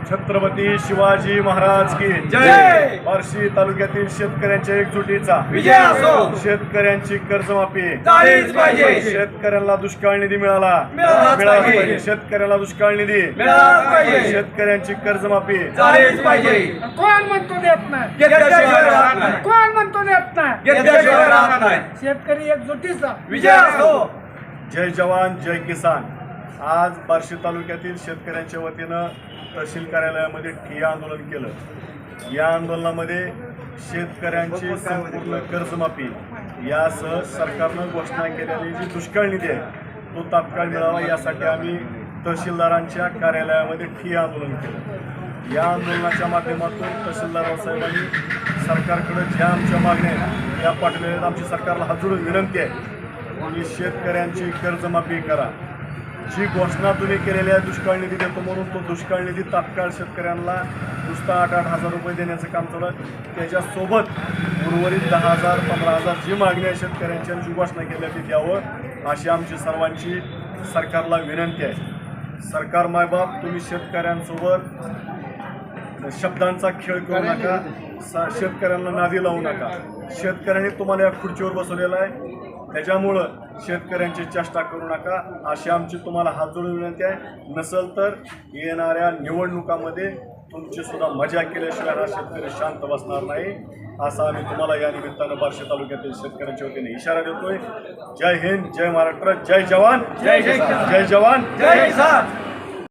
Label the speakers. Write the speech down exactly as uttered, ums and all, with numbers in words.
Speaker 1: छत्रपती शिवाजी महाराज की
Speaker 2: जय.
Speaker 1: बार्शी तालुक्यातील शेतकऱ्यांच्या एकजुटीचा
Speaker 2: विजय असो.
Speaker 1: शेतकऱ्यांची कर्जमाफी
Speaker 2: झालीच पाहिजे.
Speaker 1: शेतकऱ्यांना दुष्काळ निधी मिळाला
Speaker 2: मिळालाच
Speaker 1: मिळालाच
Speaker 2: पाहिजे.
Speaker 1: पाहिजे. शेतकऱ्याला दुष्काळ निधी
Speaker 2: मिळालाच पाहिजे.
Speaker 1: शेतकऱ्यांची कर्जमाफी
Speaker 2: झालीच पाहिजे.
Speaker 3: कोण म्हणतो देत नाही?
Speaker 2: घेतल्याशिवाय राहत नाही.
Speaker 3: कोण म्हणतो देत नाही?
Speaker 2: घेतल्याशिवाय राहत नाही.
Speaker 3: शेतकरी एकजुटीचा
Speaker 2: विजय असो.
Speaker 1: जय जवान जय किसान. आज बार्शी तालुक्यातील शेतकऱ्यांच्या वतीनं तहसील कार्यालयामध्ये ठिय्या आंदोलन केलं. या आंदोलनामध्ये शेतकऱ्यांची संपूर्ण कर्जमाफी यासह सरकारनं घोषणा केलेली जी दुष्काळ निधी आहे तो तात्काळ मिळावा यासाठी आम्ही तहसीलदारांच्या कार्यालयामध्ये ठिय्या आंदोलन केलं. या आंदोलनाच्या माध्यमातून तहसीलदार साहेबांनी सरकारकडे ज्या आमच्या मागण्या आहेत त्या पाठवलेल्या आहेत. आमची सरकारला हात जोडून विनंती आहे की शेतकऱ्यांची कर्जमाफी करा. जी घोषणा तुम्ही केलेली आहे दुष्काळ निधी देतो म्हणून तो दुष्काळ निधी तात्काळ शेतकऱ्यांना नुसता आठ आठ हजार रुपये देण्याचं काम चालू आहे. त्याच्यासोबत उर्वरित दहा हजार पंधरा हजार जी मागणी आहे शेतकऱ्यांची जी घोषणा केली ती द्यावं अशी आमची सर्वांची सरकारला विनंती आहे. सरकार मायबाप तुम्ही शेतकऱ्यांसोबत शब्दांचा खेळ करू नका. शेतकऱ्यांना नादी लावू नका. शेतकऱ्यांनी तुम्हाला या खुर्चीवर बसवलेला आहे त्याच्यामुळं शेतकऱ्यांची चेष्टा करू नका अशी आमची तुम्हाला हात जोडून विनंती आहे. नसेल तर येणाऱ्या निवडणुकामध्ये तुमची सुद्धा मजा केल्याशिवाय हा शेतकरी शांत बसणार नाही असा आम्ही तुम्हाला या निमित्तानं बार्शी तालुक्यातील शेतकऱ्यांच्या वतीने इशारा देतोय. जय हिंद, जय महाराष्ट्र, जय जवान
Speaker 2: जय जय किसान.
Speaker 1: जय जवान
Speaker 2: जय किसान.